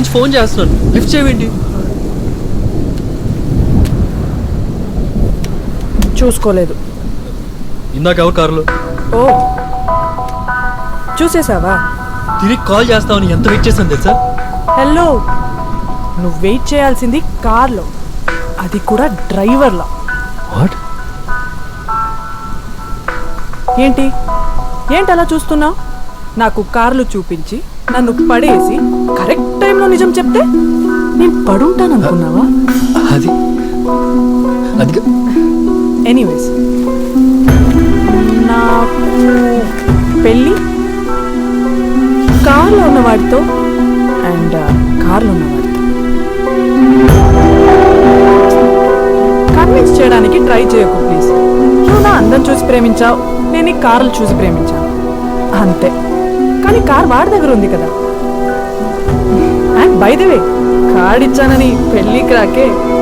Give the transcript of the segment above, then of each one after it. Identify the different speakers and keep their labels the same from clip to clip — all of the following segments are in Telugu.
Speaker 1: నుంచి ఫోన్ చేస్తున్నాను, లిఫ్ట్ చేయవేంటి?
Speaker 2: చూసుకోలేదు.
Speaker 1: ఇందాక ఎవరు కారులో?
Speaker 2: ఓ చూసేసావా?
Speaker 1: తిరిగి కాల్ చేస్తామని ఎంత వెయిట్ చేశాను తెలుసా?
Speaker 2: హలో, నువ్వు వెయిట్ చేయాల్సింది కార్లో, అది కూడా డ్రైవర్లా.
Speaker 1: వాట్?
Speaker 2: ఏంటి ఏంటి అలా చూస్తున్నావు? నాకు కార్లు చూపించి నన్ను పడేసి కరెక్ట్ టైంలో నిజం చెప్తే నేను పడుంటాను అనుకున్నావా?
Speaker 1: అది అది
Speaker 2: ఎనీవేస్, నాకు పెళ్ళి కార్లో ఉన్నవాడితో అండ్ కార్లో ఉన్నవాడితో కన్విన్స్ చేయడానికి ట్రై చేయకు ప్లీజ్. నువ్వు నా అందం చూసి ప్రేమించావు, నేను ఈ కార్లు చూసి ప్రేమించాను అంతే. కానీ కార్ వాడి దగ్గర ఉంది కదా. And by the way, card ఇచ్చానని పెళ్ళికి రాకే.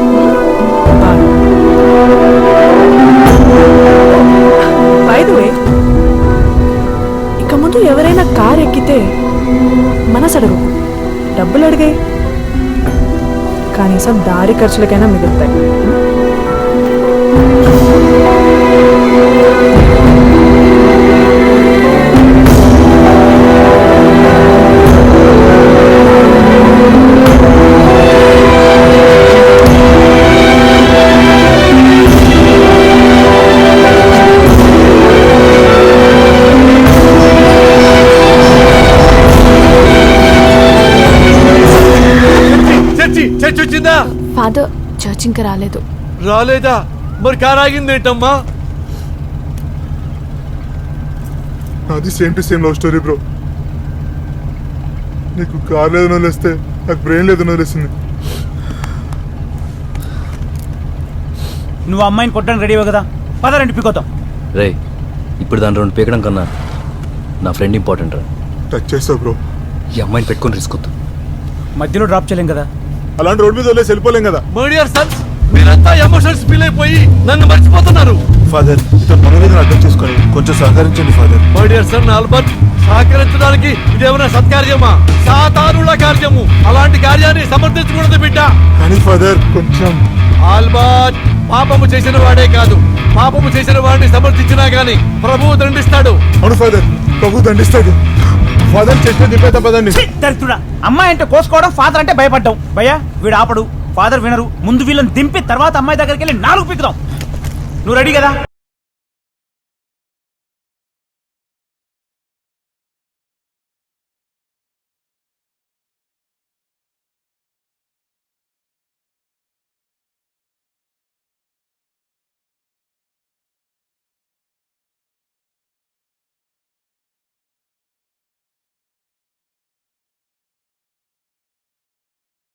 Speaker 2: బై ది వే, ఇక ముందు ఎవరైనా కార్ ఎక్కితే మనసు అడుగు, డబ్బులు అడిగాయి, కనీసం దారి ఖర్చులకైనా మిగులుతాయి.
Speaker 1: చర్చ్ వచ్చిందా?
Speaker 3: ఫాదర్ చర్చ్ ఇంకా రాలేదు.
Speaker 1: రాలేదా? మరి కార్ ఆగింది ఏంటమ్మా?
Speaker 4: అది same to same love story bro. నీకు కార్ లేదు వదిలేస్తే నాకు బ్రెయిన్ లేదు వదిలేసింది.
Speaker 5: నువ్వు అమ్మాయిని కొట్టడానికి రెడీ కదా, పదరండి పికోతాం.
Speaker 1: రే, ఇప్పుడు దాని రెండు పీకడం కన్నా నా ఫ్రెండ్ ఇంపార్టెంట్ రా.
Speaker 4: టచ్ చేస్తావు బ్రో.
Speaker 1: ఈ అమ్మాయిని పెట్టుకొని రిస్క్ వద్దు.
Speaker 5: మధ్యలో డ్రాప్ చేయలేం కదా.
Speaker 4: అలాంటి రోడ్ మీద వదిలేసి వెళ్ళిపోలేం కదా.
Speaker 1: మై డియర్ సన్స్, మీరంతా ఎమోషన్స్ ఫీల్ అయిపోయి నన్ను మర్చిపోతున్నారు.
Speaker 4: ఫాదర్, ఇతను మన మీద అర్థం చేసుకొని కొంచెం సహకరించండి father.
Speaker 1: My dear son Albert, సహకరించడానికి ఇదేమైనా సత్కార్యమా? సాతానుల కార్యము. అలాంటి కార్యాన్ని సమర్థించకూడదు బిడ్డ.
Speaker 4: కానీ ఫాదర్ కొంచెం.
Speaker 1: ఆల్బర్ట్, పాపము చేసిన వాడే కాదు, పాపము చేసిన వాడిని సమర్థించినా గానీ ప్రభువు దండిస్తాడు.
Speaker 4: అవును ఫాదర్, ప్రభు దండిస్తాడు. ఫాదర్ చెట్టు దింపేత పదండి.
Speaker 5: దరిద్రుడా, అమ్మాయి అంటే కోసుకోవడం, ఫాదర్ అంటే భయపడ్డావు. భయ్యా వీడు ఆపడు, ఫాదర్ వినరు. ముందు వీళ్ళని దింపి తర్వాత అమ్మాయి దగ్గరికి వెళ్ళి 4 పీకుదాం. నువ్వు రెడీ కదా?